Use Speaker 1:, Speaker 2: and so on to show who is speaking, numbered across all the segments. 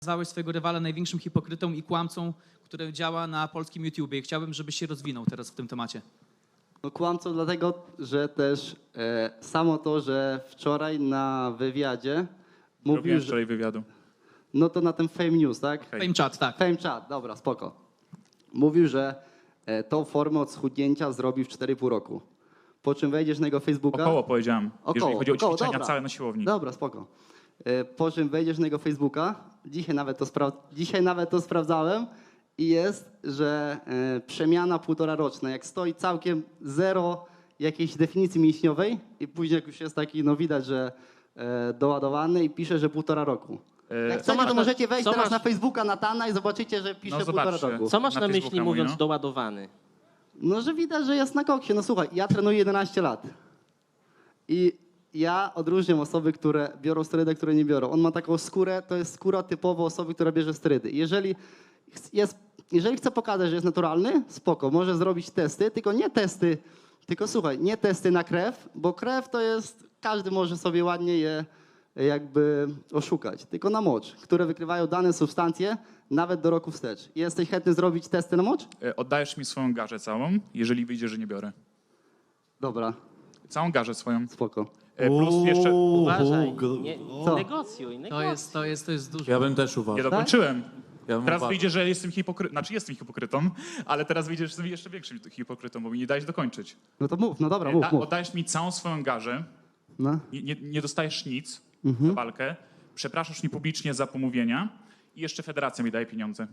Speaker 1: Nazwałeś swojego rywala największym hipokrytą i kłamcą, który działa na polskim YouTubie. I chciałbym, żebyś się rozwinął teraz w tym temacie.
Speaker 2: No kłamcą dlatego, że też samo to, że wczoraj na wywiadzie mówił,
Speaker 3: Robiłem
Speaker 2: że...
Speaker 3: wczoraj wywiadu.
Speaker 2: No to na tym Fame News, tak?
Speaker 3: Okej.
Speaker 1: Fame chat, tak.
Speaker 2: Fame Chat, dobra, spoko. Mówił, że tą formę od schudnięcia zrobi w 4,5 roku. Po czym wejdziesz na jego Facebooka...
Speaker 3: Około powiedziałem, jeżeli chodzi o ćwiczenia
Speaker 2: dobra.
Speaker 3: całe na siłowni.
Speaker 2: Dobra, spoko. Po czym wejdziesz na jego Facebooka, dzisiaj nawet to sprawdzałem i jest, że przemiana 1,5 roczna, jak stoi całkiem zero jakiejś definicji mięśniowej i później jak już jest taki, no widać, że doładowany i pisze, że 1,5 roku. Jak chcecie,
Speaker 4: masz
Speaker 2: to
Speaker 4: na-
Speaker 2: możecie wejść
Speaker 4: co
Speaker 2: teraz
Speaker 4: masz-
Speaker 2: na Facebooka Natana i zobaczycie, że pisze
Speaker 3: No
Speaker 2: 1,5
Speaker 3: zobaczcie.
Speaker 2: roku.
Speaker 4: Co masz
Speaker 3: Na
Speaker 4: na myśli
Speaker 3: Facebooka
Speaker 4: mówiąc
Speaker 3: mówi, no?
Speaker 4: doładowany?
Speaker 2: No, że widać, że jest na koksie. No słuchaj, ja trenuję 11 lat. I ja odróżniam osoby, które biorą sterydy, które nie biorą. On ma taką skórę, to jest skóra typowo osoby, która bierze sterydy. Jeżeli chce pokazać, że jest naturalny, spoko, może zrobić testy, tylko słuchaj, nie testy na krew, bo krew to jest, każdy może sobie ładnie je jakby oszukać, tylko na mocz, które wykrywają dane substancje nawet do roku wstecz. Jesteś chętny zrobić testy na mocz?
Speaker 3: Oddajesz mi swoją garzę całą, jeżeli wyjdzie, że nie biorę.
Speaker 2: Dobra,
Speaker 3: Całą garzę swoją.
Speaker 2: spoko.
Speaker 3: Plus jeszcze...
Speaker 4: Uważaj,
Speaker 2: Co?
Speaker 4: negocjuj.
Speaker 1: To jest dużo.
Speaker 5: Ja bym też
Speaker 3: Nie
Speaker 5: uważał.
Speaker 3: dokończyłem.
Speaker 5: Ja bym
Speaker 3: Teraz
Speaker 5: uważał.
Speaker 3: wyjdzie, że jestem hipokrytą. Znaczy jestem hipokrytą, ale teraz wyjdzie, że jestem jeszcze większym hipokrytą, bo mi nie dajesz dokończyć.
Speaker 2: No to mów, no dobra, mów.
Speaker 3: Oddajesz mi całą swoją garzę,
Speaker 2: No.
Speaker 3: nie dostajesz nic za walkę, przepraszasz mnie publicznie za pomówienia i jeszcze federacja mi daje pieniądze.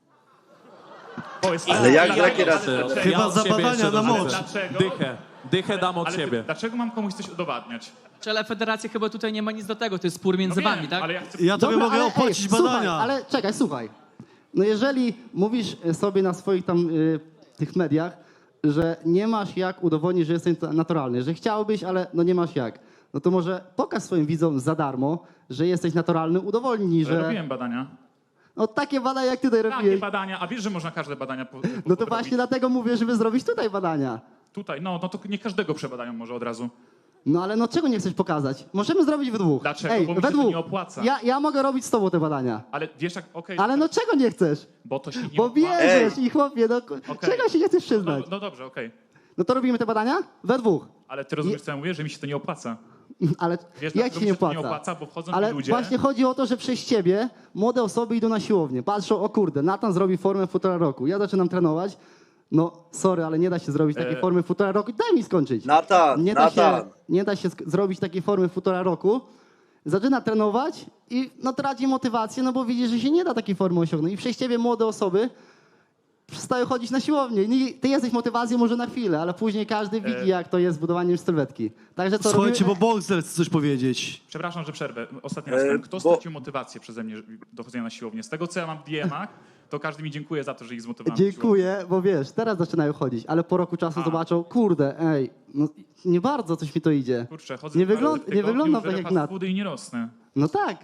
Speaker 6: Ale jakie razy?
Speaker 5: Chyba
Speaker 7: za badania na moc.
Speaker 3: Dlaczego?
Speaker 5: Dychę dam od
Speaker 3: Ale
Speaker 5: siebie.
Speaker 3: dlaczego mam komuś coś udowadniać?
Speaker 1: Ale federacja chyba tutaj nie ma nic do tego, to jest spór między
Speaker 3: No wiem,
Speaker 1: wami, tak?
Speaker 3: ale ja chcę...
Speaker 7: Ja tobie
Speaker 2: Dobra,
Speaker 7: mogę
Speaker 2: ale,
Speaker 7: opłacić
Speaker 2: słuchaj,
Speaker 7: badania.
Speaker 2: ale czekaj, słuchaj. No jeżeli mówisz sobie na swoich tam tych mediach, że nie masz jak udowodnić, że jesteś naturalny, że chciałbyś, ale no nie masz jak, no to może pokaż swoim widzom za darmo, że jesteś naturalny, udowodnij, że...
Speaker 3: Robiłem badania.
Speaker 2: No takie badania jak ty tutaj
Speaker 3: Takie
Speaker 2: robiłeś.
Speaker 3: badania, a wiesz, że można każde badania
Speaker 2: No to właśnie dlatego mówię, żeby zrobić tutaj badania.
Speaker 3: Tutaj, no to nie każdego przebadają może od razu.
Speaker 2: No ale no czego nie chcesz pokazać? Możemy zrobić we dwóch.
Speaker 3: Dlaczego?
Speaker 2: Ej,
Speaker 3: Bo mi
Speaker 2: we
Speaker 3: się to
Speaker 2: dwóch.
Speaker 3: nie opłaca.
Speaker 2: Ja mogę robić z tobą te badania.
Speaker 3: Ale wiesz jak, okej,
Speaker 2: Ale no czego nie chcesz?
Speaker 3: bo to się nie
Speaker 2: Bo
Speaker 3: opłaca.
Speaker 2: bierzesz i chłopie, no
Speaker 3: Okej.
Speaker 2: czego się nie chcesz przyznać?
Speaker 3: No dobrze, okej.
Speaker 2: No to robimy te badania? We dwóch.
Speaker 3: Ale ty rozumiesz, co ja mówię, że mi się to nie opłaca.
Speaker 2: Ale
Speaker 3: Wiesz,
Speaker 2: jak
Speaker 3: dlaczego
Speaker 2: ci
Speaker 3: mi
Speaker 2: nie
Speaker 3: się to
Speaker 2: opłaca?
Speaker 3: nie opłaca? Bo wchodzą
Speaker 2: Ale
Speaker 3: mi ludzie...
Speaker 2: właśnie chodzi o to, że przez ciebie młode osoby idą na siłownię. Patrzą, o kurde, Natan zrobi formę w 1,5 roku. Ja zaczynam trenować. No sorry, ale nie da się zrobić takiej formy w 1,5 roku. Daj mi skończyć.
Speaker 6: Natan,
Speaker 2: Nie da się zrobić takiej formy w 1,5 roku. Zaczyna trenować i no traci motywację, no bo widzi, że się nie da takiej formy osiągnąć. I przez ciebie młode osoby przestają chodzić na siłownię. Ty jesteś motywacją może na chwilę, ale później każdy widzi, jak to jest z budowaniem sylwetki. Także to
Speaker 7: Słuchajcie,
Speaker 2: robimy...
Speaker 7: bo Boxer chce coś powiedzieć.
Speaker 3: Przepraszam, że przerwę. Ostatni raz. Kto stracił motywację przeze mnie do chodzenia na siłownię? Z tego, co ja mam w DM-ach, to każdy mi dziękuję za to, że ich zmotywowałem. do siłowni.
Speaker 2: Dziękuję, bo wiesz, teraz zaczynają chodzić, ale po roku czasu zobaczą, kurde, ej, no nie bardzo coś mi to idzie.
Speaker 3: Kurczę, chodzę
Speaker 2: Nie
Speaker 3: dwa razy w
Speaker 2: wyglądam
Speaker 3: tygodniu,
Speaker 2: tak
Speaker 3: żerę
Speaker 2: jak
Speaker 3: fast
Speaker 2: Nat.
Speaker 3: foody i nie rosnę.
Speaker 2: No tak,